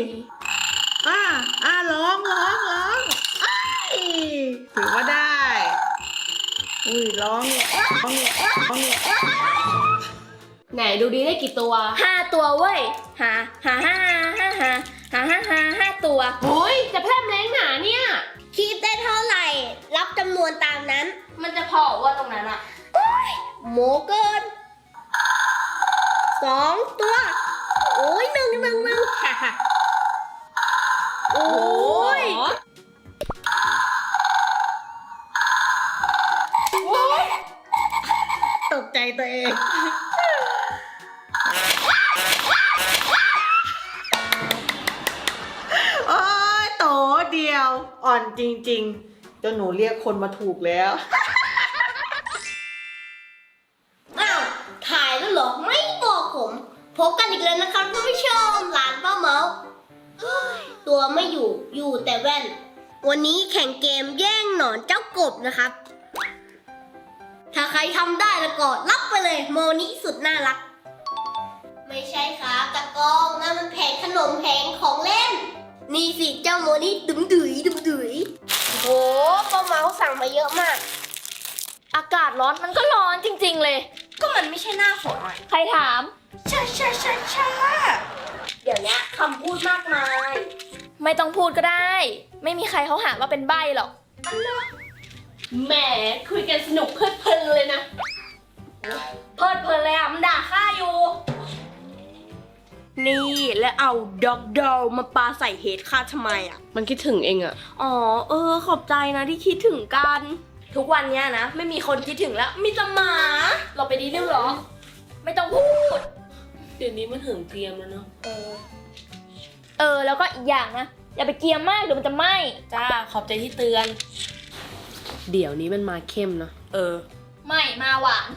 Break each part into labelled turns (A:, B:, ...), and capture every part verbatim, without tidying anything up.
A: อ่าอ่าร้องร้องร้องอ้ายถือว่าได้อุ้ยร้องร้องร้อง
B: ไหนดูดีได้กี่ตัว
C: ห้าตัวเว้ยหาหาห้าห้าหาหาห้าหาห้าตัว
B: โอ้ยจะแพร่มแรงหนาเนี่ย
C: คิดได้เท่าไหร่รับจำนวนตามนั้น
B: มันจะพอว่าตรงนั้นอะ
C: โมเกินสองตัวโอ้ยหนึ่งหนึ่งหนึ่งโอ้ย
A: ตกใจตัวเองโอ้ยโตเดียวอ่อนจริงๆเจ้าหนูเรียกคนมาถูกแล้ว
C: อ้าวถ่ายแล้วเหรอไม่บอกผมพบกันอีกแล้วนะครับท่านผู้ชมหลานป้าเมาตัวไม่อยู่อยู่แต่แว่นวันนี้แข่งเกมแย่งหนอนเจ้ากบนะครับถ้าใครทำได้แล้วก็รับไปเลยโมนี้สุดน่ารักไม่ใช่ครับตะกองนั่นมันแผงขนมแผงของเล่นนี่สิเจ้าโมนี้ดุ๋มดุ๋ยดุ๋มดุ๋ยโอ้ป้าเมาสั่งมาเยอะมากอากาศร้อนมันก็ร้อนจริงๆเลยก็มันไม่ใช่หน้าฝนใครถามชาชาชาชาเดี๋ยวนี้คำพูดมากมายไม่ต้องพูดก็ได้ไม่มีใครเขาหาว่าเป็นใบ้หรอก
B: แหมคุยกันสนุกเพลิดเพลินเลยนะ
C: เพลิดเพลินเลยอ่ะมันด่าข้าอยู่นี่แล้วเอาด็อกดอลมาปาใส่เฮดข้าทำไมอ่ะ
B: มันคิดถึงเองอะ
C: อ๋อเออขอบใจนะที่คิดถึงกันทุกวันเนี้ยนะไม่มีคนคิดถึงแล้วมีแต่หมาเราไปดีเรื่องหรอไม่ต้องพูด
B: เดี๋ยวนี้มันถึงเกรียมแล้วเนาะ
C: เออเออแล้วก็อีกอย่างนะอย่าไปเกรียมมากเดี๋ยวมันจะไหม้
B: จ้าขอบใจที่เตือนเดี๋ยวนี้มันมาเข้มเนาะ
C: เออไม่มาหวาน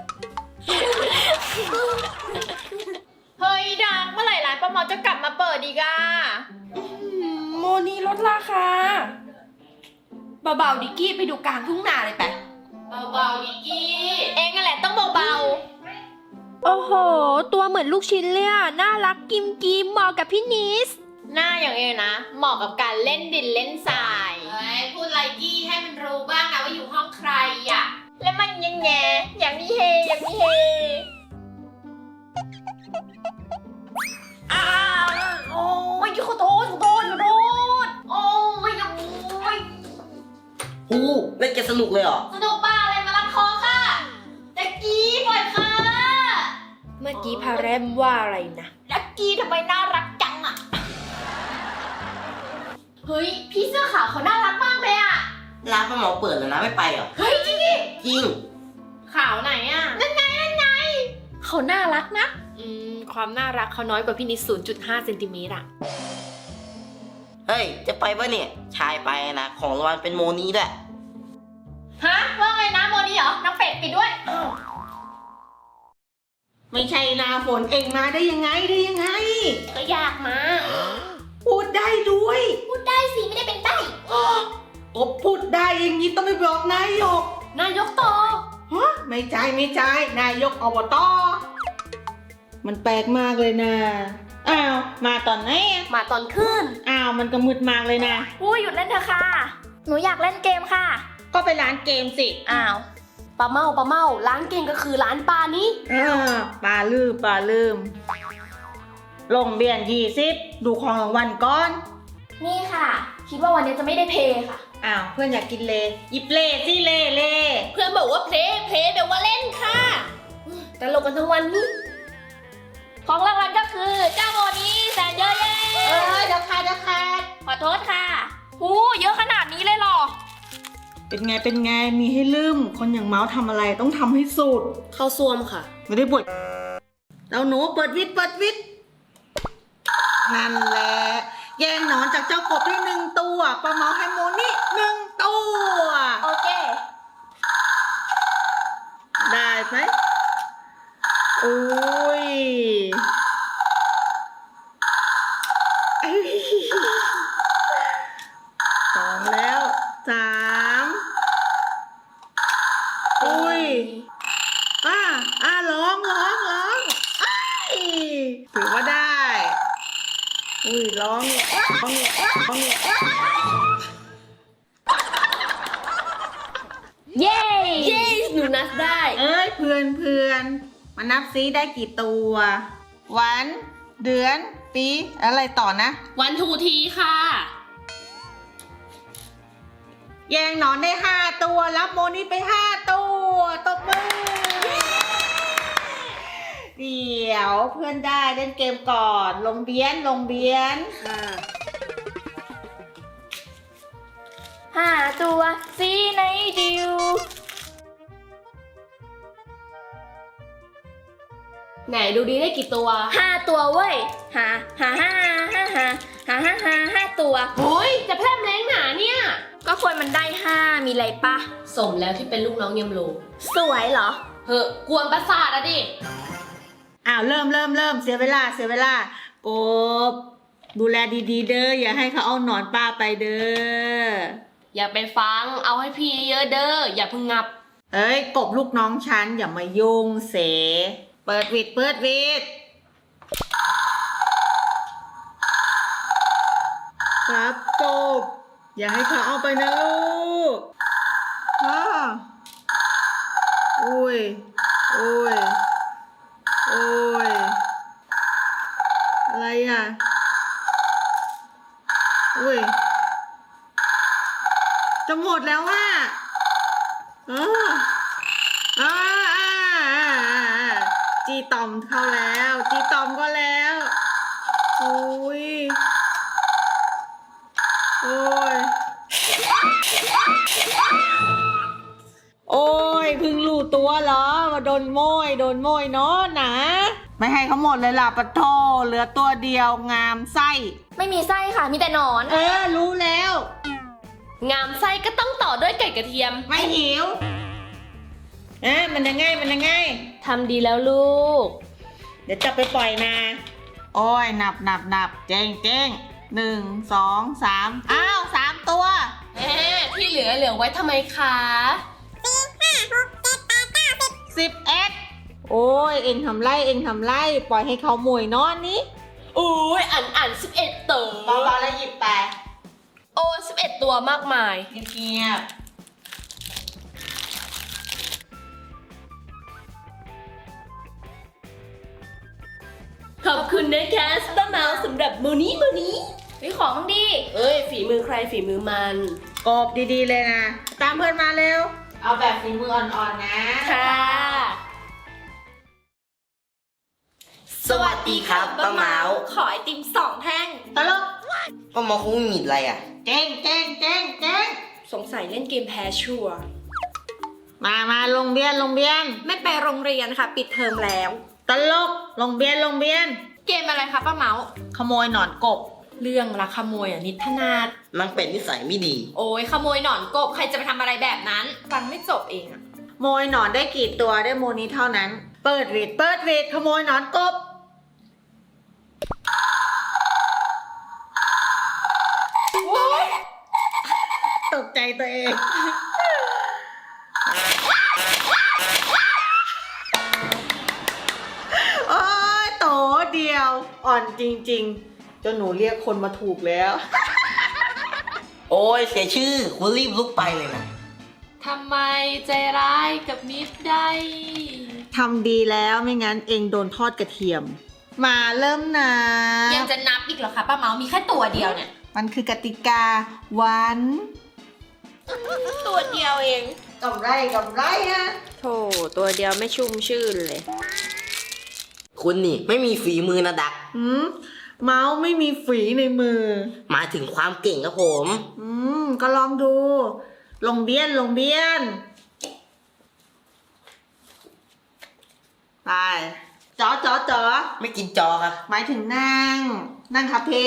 B: เฮ้ยดังเมื่อไหร่ร้านป้าเมาจะกลับมาเปิดอีกอะ
C: โมนี่ลดราคาเบาๆดิกกี้ไปดูกลางทุ่งนาเลยไป
B: เบาๆดิกกี้เองนั่นแหละต้องเบา
C: ๆโอ้โหตัวเหมือนลูกชิ้นเลยอ่ะน่ารักกิมกิมเหมาะกับพี่นิส
B: หน้าอย่างเองนะเหมาะกับการเล่นดินเล่นทรายเฮ้ยพูดไรกี้ให้มันรู้บ้างนะว่าอยู่ห้องใครอ่ะแล้วมันยังไงอย่างนี้เฮอย่างนี้เฮอ้าวโอ้ยขอโทษขอโทษขอโทษโอ้ยโอ้ย
D: ฮู้เล่นเกมสนุกเลยเหรอ
B: สนุกบ้าอะไรมาลัดคอค่ะแจ็กกี้ปล่อยค่ะ
C: เมื่อกี้พาแรมว่าอะไรนะ
B: แจ็กกี้ทำไมน่ารักจังอ่ะเฮ้ยพี่เสื้อขาวเขาน่ารักมากเลยอ่ะ
D: ร้านป้าหมอเปิดแล้วนะไม่ไปเหรอ
B: เฮ้ยจริงดิ
D: จริง
B: ขาวไหนอ่ะนั่นไงนั่นไงเขาน่ารักนะอืมความน่ารักเขาน้อยกว่าพี่นิด ศูนย์จุดห้า เซนติเมตรอ่ะ
D: เฮ้ยจะไปปะเนี่ยชายไปนะของรางวัลเป็นโมนี้ด้วย
B: ฮะว่าไงนะโมนี้เหรอน้องเป็ดปิดด้วย
A: ไม่ใช่นาฝนเองมาได้ยังไงได้ยังไง
B: ก็อยากมา
A: พูดได้ด้วย
B: พูดได้สิไม่ได้เป็นใบ้
A: ก็พูดได้อย่างนี้ต้องไปบอกนายก
B: นายกต่อ
A: ฮะไม่ใช่ไม่ใช่นายกอบตมันแปลกมากเลยนะอ้าวมาตอนไหน
C: มาตอนขึ้น
A: อ้าวมันก็มืดมากเลยนะ
C: อุ้ยหยุดเล่นเถอะค่ะหนูอยากเล่นเกมค่ะ
A: ก็ไปร้านเกมสิ
C: อ้าวปลาเมาปลาเมาร้านเกมก็คือร้านปลานี้
A: อ่าปลาลืมปลาลืมลงเบียนยี่สิบดูของรางวัลก่อน
C: นี่ค่ะคิดว่าวันนี้จะไม่ได้เพย์ค่ะ
A: อ้าวเพื่อนอยากกินเลยิบเลสิเลเล
B: เพื่อนบอกว่าเพลย์เพลย์แปลว่าเล่นค่ะ
C: แต่ลงกันทั้งวันนี้ของรางวัลก็คือเจ้าโมนี้แสนเยอะแยะ
A: เออเดี๋ยวค่ะเดี๋ยวค่ะ
C: ขอโทษค่ะหูเยอะขนาดนี้เลยหรอ
A: เป็นไงเป็นไงมีให้ลืมคนอย่างเมาส์ทำอะไรต้องทำให้สุด
B: เข้าซ่วมค่ะ
A: ไม่ได้บทเราหนูเปิดวิทย์เปิดวิทย์นั่นแหละแย่งหนอนจากเจ้ากบได้หนึ่งตัวปลาเมาให้โมนี่หนึ่งตัว
C: โอเค
A: ได้ไหมโอ้ยสองแล้วสามอุ้ยอ่าอ่าร้องร้องร้องอ้ายถือว่าได้อุ้ยร้องร้องร้อง
B: เย้ เย้หนูนับได้
A: เอ้ยเพื่อนเพื่อนมานับซิได้กี่ตัว วัน เดือน ปี อะไรต่อนะ
B: วันทูทีค่ะ
A: แยงหนอนได้ห้าตัวรับโมนี่ไปห้าตัวตบมือเดี๋ยวเพื่อนได้เล่นเกมก่อน ลงเบียนลงเบียน
B: ห้าตัวสีไหนดิว ไหนดูดีได้กี่ตัว
E: ห้าตัวเว้ยหาหาห้าห้าหาหาห้าห้าห้าตัว
B: โอ้ยจะแพร่มแรงหนาเนี่ย
E: ก็คนมันได้ห้ามีอะไรปะ
B: สมแล้วที่เป็นลูกน้องยมโล
E: สวยเหรอ
B: เฮ้กวนประสาทอะดิ
A: อ้าวเริ่มเริ่มเริ่มเสียเวลาเสียเวลากบดูแลดีๆเด้ออย่าให้เขาเอาหนอนป้าไปเด้อ
B: อย่าไปฟัง เอาให้พี่เยอะเด้อ อย่าเพึ่งงับ
A: เอ้ยกบลูกน้องฉันอย่ามายุ่งเสเปิดวิดเปิดวิดครับกบอย่าให้เขาเอาไปนะลูกฮ่าอุ้ยอุ้ยโอ้ยอะไรอ่ะอุ้ยจะหมดแล้วว่ะเอออ่าอ่าอ่าอ่าจีตอมเข้าแล้วจีตอมก็แล้วโอ้ยโอ้ยโอ้ยเพิ่งรู้ตัวเหรอว่าโดนโมยโดนโมยเนาะนะไม่ให้เขาหมดเลยล่ะปะโทเหลือตัวเดียวงามไส้
E: ไม่มีไส้ค่ะ มีแต่หนอน
A: เออรู้แล้ว
B: งามไส้ก็ต้องต่อด้วยไก่กระเทียม
A: ไม่หิวเอ๊ะมันยังไงมันยังไง
B: ทำดีแล้วลูก
A: เดี๋ยวจะไปปล่อยนาโอ้ยนับนับนับเจ๊งเจ๊งหนึ่งสองสามอ้าวสามตัว
B: แหมที่เหลือเหลือไว้ทำไมคะ
A: สิบเอ็ดโอ้ยเอ็งทำไรเอ็งทำไรปล่อยให้เขาหมวยนอนนี้
B: โอ้ยอ่านอ่านสิบเอ็ดตัว
A: เบาๆแล้วหยิบไป
B: โอ้สิบเอ็ดตัวมากมาย
A: เงียบ
B: ขอบคุณนะคะสตาร์เมาสำหรับมือนี้มือนี้
E: วิของดี
B: เอ้ย ฝีมือใครฝีมือมัน
A: ๆกบดีๆเลยนะตามเพื่อนมาเร็วเอาแบบฝีมืออ่อนๆนะ
E: ค่ะ
D: สวัสดีครับป้าเมา
E: ขอไอติมสองแท่ง
A: ตลก
D: ป้าเมาคงไม่มีอะไรอ่ะ
A: เจ๊งเจ๊งเจ๊งเจ๊ง
E: สงสัยเล่นเกมแพ้ชัวร์
A: มามาลงเบียนลงเบียน
E: ไม่ไปโรงเรียนค่ะ ปิดเทอมแล้ว
A: ตลกลงเบียนลงเบียน
E: เกมอะไรคะป้าเมา
A: ขโมยหนอนกบ
E: เรื่องรักขโมยอ่ะนิทนาด
D: นางเป็ดนิสัยไม่ดี
E: โอ้ยขโมยหนอนกบ ใครจะไปทำอะไรแบบนั้น ฟังไม่จบเองอะ
A: ขโมยหนอนได้กี่ตัวได้โมนี้เท่านั้น เปิดวีดเปิดวีดขโมยหนอนกบตกใจตัวเอง โอ้ยโตเดียว อ่อนจริงๆจนหนูเรียกคนมาถูกแล้ว
D: โอ้ยเสียชื่อคุณรีบลุกไปเลยนะ
B: ทำไมใจร้ายกับมิตรได้
A: ทำดีแล้วไม่งั้นเองโดนทอดกระเทียม มาเริ่มนะ
E: ยังจะนับอีกเหรอคะป้าเมามีแค่ตัวเดียวเนี่ย
A: มันคือกติกาวัน
E: ตัวเดียวเอง
A: กำไรกำไรฮะ
E: โธ่ตัวเดียวไม่ชุ่มชื่นเลย
D: คุณนี่ไม่มีฝีมือนะดัก
A: หืมเมาส์ไม่มีฝีในมือ
D: หมายถึงความเก่งครับผม
A: อืมก็ลองดู ลงเบี้ยนลงเบี้ยน ไปจอจอจอ
D: ไม่กินจอครับ
A: หมายถึงนั่ง นั่งคาเฟ่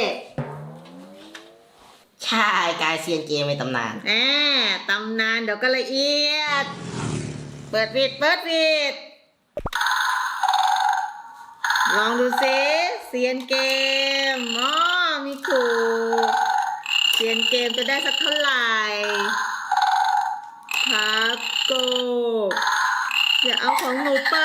D: ใช่กายเซียนเกมในตำนาน
A: แหมตำนานเดี๋ยวก็ละเอียด เปิดวิดเปิดวิด ลองดูซิเซียนเกมอ๋อมีขู่เซียนเกมจะได้สักเท่าไหร่ครับโกอย่าเอาของหนูไป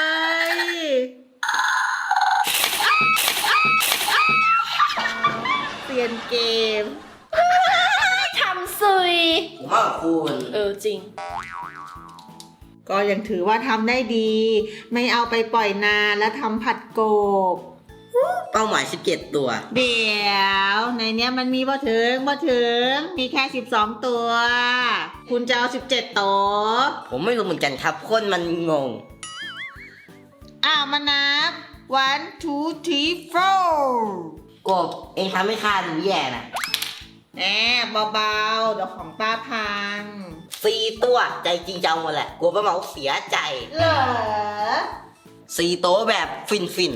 A: เกม
E: ทำซุย
D: ผมว่าคุณ
E: เออจริง
A: ก็ยังถือว่าทำได้ดี ไม่เอาไปปล่อยนานแล้วทำผัดกบ
D: เป้าหมายสิบเจ็ดตัว
A: เดี๋ยวในเนี้ยมันมีบ่ถึงบ่ถึง มีแค่สิบสองตัว คุณจะเอาสิบเจ็ดตัว
D: ผมไม่รู้เหมือนกันครับ คนมันงง
A: อ้าวมานับ one two three four
D: กบเองทำให้ข้าดูแย่นะ
A: แหมเบาๆเดี๋ยวของป้าพัง
D: สี่ตัวใจจริงจังหมดแหละกลัวป้าเหมาเสียใจ
A: เหรอ
D: สี่โต๊ะแบบฟินฟิน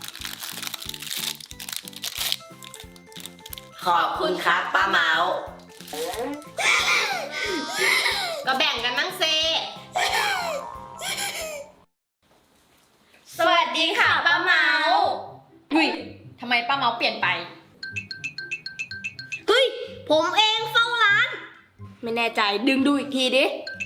D: ขอบคุณครับป้าเมา
B: ก็แบ่งกันบ้างเซ
E: สวัสดีค่ะป้าเมา
B: อุ้ยทำไมป้าเมาเปลี่ยนไป
C: เฮ้ย ผมเองเฝ้าร้าน
E: ไม่แน่ใจดึงดูอีกทีดิ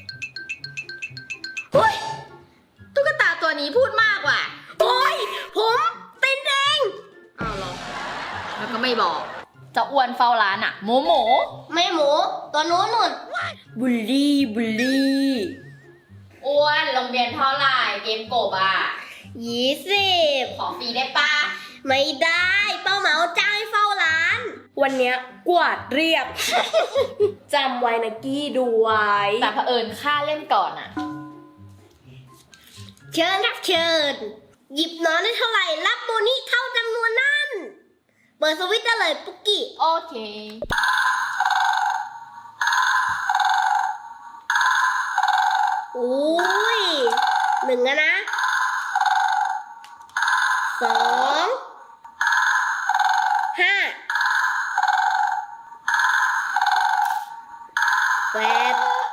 B: อุ้ยตุ๊กตาตัวนี้พูดมากว่ะ
C: โอ้ย ผมตินเอง
B: อ้าวเหรอ แล้วก็ไม่บอก จะอ้วนเฝ้าร้านอะหมูหมู
C: ไม่หมู ตัวนู้นนุ่น
E: บุลลี่บุลลี่
B: อ้วนโรงเรียนเท่าไหร่เกมกบอะ
C: ยี่สิบ
B: ขอฟรีได้ปะ
C: ไม่ได้ เป้าเหมาจ้างให้เฝ้าร้าน
E: วันเนี้ยกวาดเรียบ จำไว้นะกี้ดูไว้
B: แต่เผอิญค่าเล่นก่อนอะ
C: เชิญครับเชิญ หยิบนอนได้เท่าไหร่ รับโบนี่เท่าจำนวนนั้น เปิดสวิตช์ได้เลยปุกกี้
B: โอเค
C: โอ้ยหนึ่งอะนะ สองห้าแปด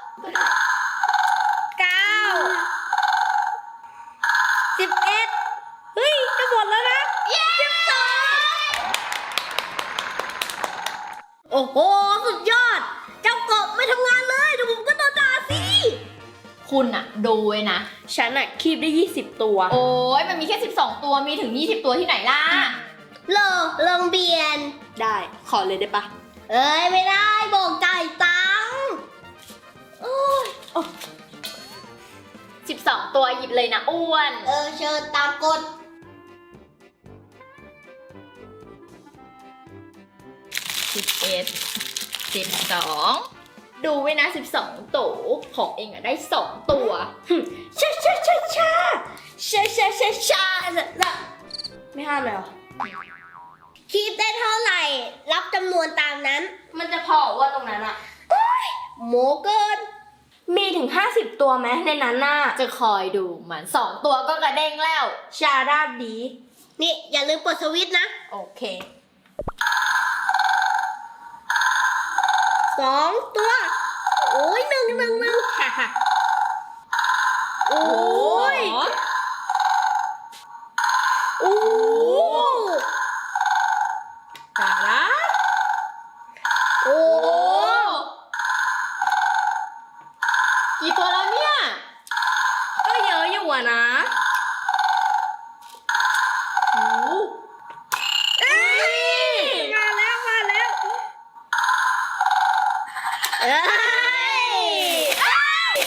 C: เก้าสิบเอ็ดเฮ้ย จะหมดแล้วนะสิบสองโอ้โห สุดยอด เจ้ากบไม่ทำงานเลยเดี๋ยวผมก็โดนด่าสิ
B: คุณอะดูไว้นะ
E: ฉันอะคีบได้ยี่สิบตัว
B: โอ้ยมันมีแค่สิบสองตัวมีถึงยี่สิบตัวที่ไหนล่ะ
C: โลลงเบียน
E: ได้ขอเลยได้ปะ
C: เอ้ย ไม่ได้บอกจ่ายตังค์
B: สิบสองตัวหยิบเลยนะอ้วน
C: เออ เชิญตามกฎ
B: สิบเอ็ด สิบสอง ดูไว้นะสิบสองตัวของเองอะได้สองตัว
E: ชาชาชาชาชาชาชาชาไม่ห้ามเลยเหรอ
C: คีบได้เท่าไหร่ รับจำนวนตามนั้น
E: มันจะพอว่าตรงนั้นอะ
C: โมเกิน
E: มีถึงห้าสิบตัวไหมในนั้นน่ะ
B: จะคอยดูมันสองตัวก็กระเด้งแล้ว
E: ชาราบดี
C: นี่ อย่าลืมเปิดสวิตช์นะ
B: โอเค
C: สองตัว โอ้ยหนึ่งหนึ่งหนึ่งโอ้ย โอ้
B: ตาละ
C: โอ้
B: กี่ตัวแล้วเนี่ย
E: ก็เยอะอยู่อะนะ
B: โอ้
C: เอ้ยมาแล้ว มาแล้ว เอ้ย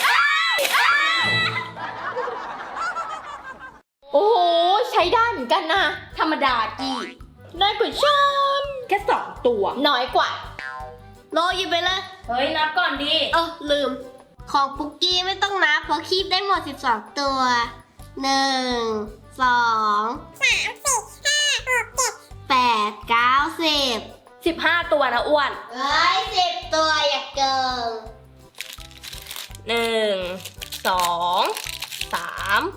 B: โอ้โหใช้ได้เหมือนกันนะ
E: ธรรมดากี้
B: น้อยกว่าฉัน
E: แค่สองตัว
B: น้อยกว่า
C: โลหยิบไปเลย
E: เฮ้ย นับก่อนดิ
C: เออลืม ของปุกกี้ไม่ต้องนับเพราะคีบได้หมดสิบสองตัว หนึ่ง สอง สามสี่ห้าหกเจ็ดแปดเก้าสิบ
E: สิบห้าตัวนะอ้วน
C: เอ้ยสิบตัวอย่าเกิน
E: หนึ่ง สอง สาม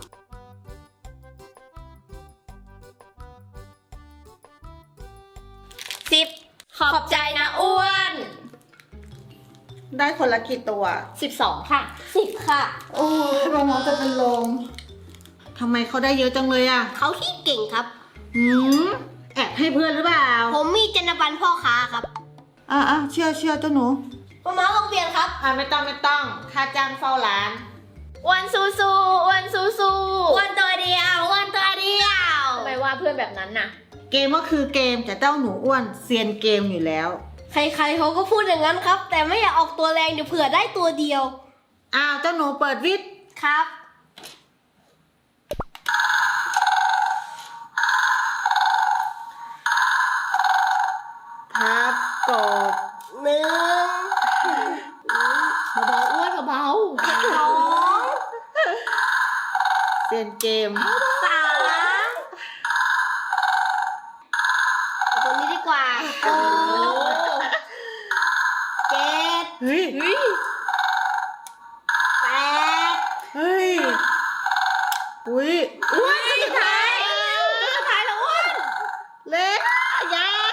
E: สิบ ขอบใจนะอ้วน
A: ได้คนละกี่ตัว
B: สิบสองค่ะ
E: สิบค่ะ
A: โอ้ยเราน้องจะเป็นลมทำไมเขาได้เยอะจังเลยอ่ะ
C: เขาที่เก่งครับ
A: หืมแอบให้เพื่อนหรือเปล่า
C: ผมมีจรรยาบรรณพ่อค้าครับ
A: อ่ะอ่ะเชื่อเชื่อเจ้าหนู
C: ป้าเมาลงเปลี่ยนครับ
A: อ่ะไม่ต้องไม่ต้อง ค่าจ้างเฝ้าร้าน
B: อ้วนสู้สู้อ้วนสู้สู้
C: วันตัวเดียววันตัวเดียว
B: ทำไมว่าเพื่อนแบบนั้นน่ะ
A: เกมก็คือเกมแต่เจ้าหนูอ้วนเซียนเกมอยู่แล้ว
C: ใครๆเขาก็พูดอย่างนั้นครับ แต่ไม่อยากออกตัวแรงเดี๋ยวเผื่อได้ตัวเดียว
A: อ้าวเจ้าหนูเปิดวิทย์
C: ครับ
A: พับกบ
C: หนึ่ง
B: เบาๆอ้วนเบา
C: สอง
A: เซียนเกม
C: สามเอาตัวนี้ดีกว่าหกเจ็ด
A: เฮ้ย
C: แปด
A: เฮ้ย อุ้ย
B: อ้วนสุดท้ายสุดท้ายแล้วอ้วน
A: เล็กยักษ์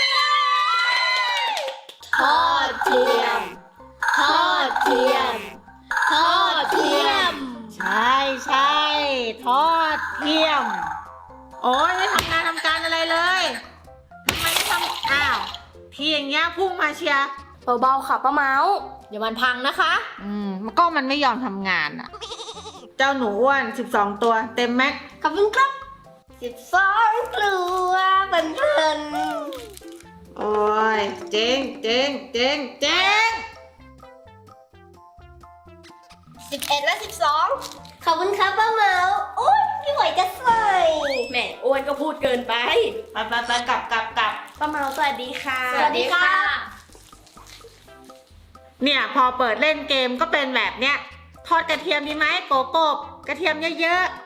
B: ทอดเทียม ทอดเทียม ทอดเทียม
A: ใช่ใช่ทอดเทียม โอ้ยไม่ทำงานทำการอะไรเลยทำไมไม่ทำอ้าวทีอย่างเงี้ยพุ่งมาเชียร์
C: เบาๆค่ะป้าเมาส์
B: เดี๋ยวมันพังนะคะ
A: อืมก็มันไม่ยอมทำงานอ่ะ เจ้าหนูอ้วนสิบสองตัวเต็มแม็ก
C: ขอบคุณครับสิบสองตัวเป็นเพื่อน
A: โอ้ยเจ๊งเจ๊งเจ๊งเจ๊ง
C: สิบเอ็ดและสิบสองขอบคุณครับป้าเมาส์โอ้ยไม่ไหวจะใส่
E: แหม่อ้วนก็พูดเกินไป
D: ไปไปไปกลับกลับกลับ
E: ป้าเมาสวัสดีค่ะ
C: สวัสดีค่ะ
A: เนี่ยพอเปิดเล่นเกมก็เป็นแบบเนี้ยทอดกระเทียมดีไหมโกโกบกระเทียมเยอะๆ